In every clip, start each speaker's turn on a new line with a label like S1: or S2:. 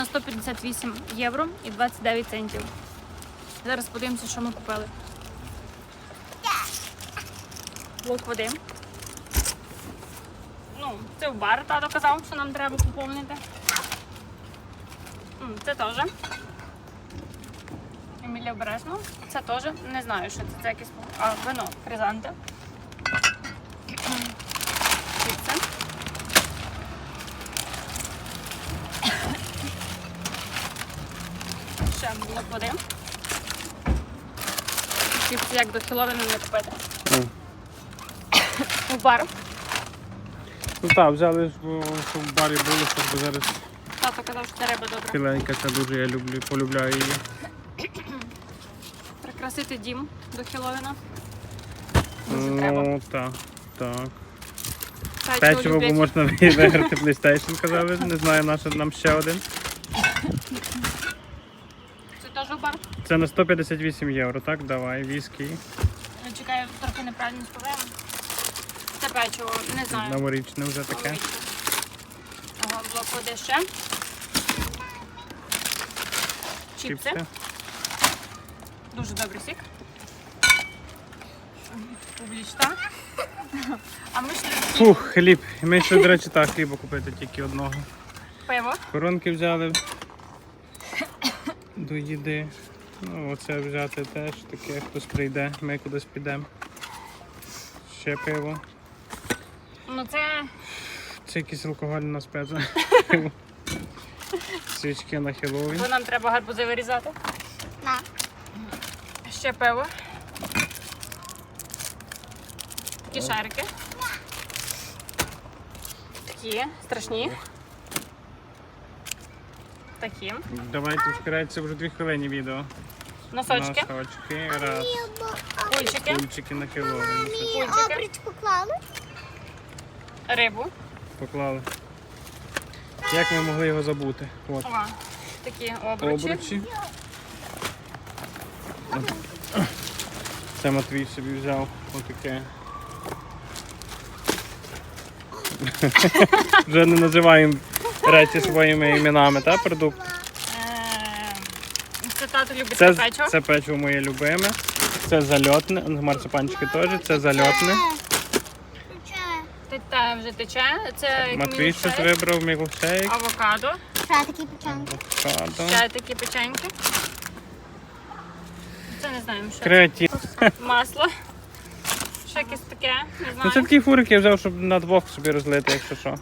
S1: 158 євро і 29 центів. Зараз подивимося, що ми купили. Блок води. Ну, це в бар, тато казав, що нам треба поповнити. Це теж. Емілія обережно. Це теж. Не знаю, що це. Це якесь вино, Кризанте. Чіпси. Ще блок води. Чіпси як до Хеллоуіну не купити. У бар.
S2: Ну так, взяли, щоб в барі було, щоб зараз
S1: Тато казав, що це риба добра.
S2: філенька, це дуже я люблю, полюбляю її.
S1: Прикрасити дім до Хеллоуіна. Дуже треба.
S2: Ну, так, так.
S1: Печиво
S2: Печиво, бо
S1: люблять.
S2: можна виграти PlayStation, казали. Не знаю, на що нам ще один.
S1: Це теж у бар.
S2: Це на 158 євро, так? Давай, віскі.
S1: Я чекаю, трохи неправильно співаємо. Це печиво, не знаю.
S2: Новорічне вже таке.
S1: Ага, блок води ще. Чіпси.
S2: Чіпси.
S1: Дуже добрий сік. Публічна. А ми ще
S2: Фух, хліб. Ми ще, до речі, так, хліба купити тільки одного.
S1: пиво.
S2: Коронки взяли до їди. Ну, оце взяти теж таке, хтось прийде, ми кудись підемо. Ще пиво.
S1: Ну це
S2: Це якийсь алкоголь на специ. Свічки на Хеллоуін.
S1: бо нам треба гарбузи вирізати. Ще пиво. Такі шарики. Такі страшні. Такі.
S2: Давайте вперед, вже 2 хвилини відео.
S1: Носочки.
S2: Носочки, раз.
S1: Кульчики.
S2: Кульчики на Хеллоуін.
S1: Кульчики.
S3: Обручку клали.
S1: Рибу.
S2: Поклали. Як ми могли його забути? От.
S1: Ова. Такі обручі.
S2: Обручі. Це Матвій собі взяв отаке. Вже не називаємо речі своїми іменами, та продукт?
S1: Це тато любить це печиво.
S2: Це печиво моє любиме. Це зальотне, марципанчики теж, це зальотне.
S1: Та вже тече. Це
S2: Матвій щось вибрав, мілкшейк.
S1: авокадо.
S3: Ще такі печеньки.
S2: Авокадо.
S1: Ще такі печеньки. Це не знаємо, що.
S2: Креатив.
S1: Масло. Ще якесь таке, не
S2: Ну
S1: знаю.
S2: це такі фурики я взяв, щоб на двох собі розлити, якщо що.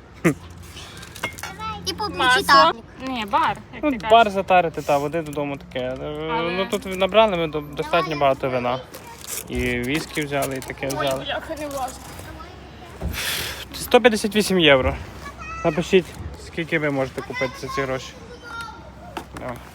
S3: І поблічі
S1: Масло.
S3: так.
S1: Ні, бар, як
S2: Ну,
S1: ти кажеш.
S2: бар затарити, та води додому таке. Ну тут набрали ми достатньо багато вина. І віскі взяли, і таке
S1: Ой,
S2: взяли.
S1: бляха, не влазить.
S2: 158 євро. Напишіть, скільки ви можете купити за ці гроші. О.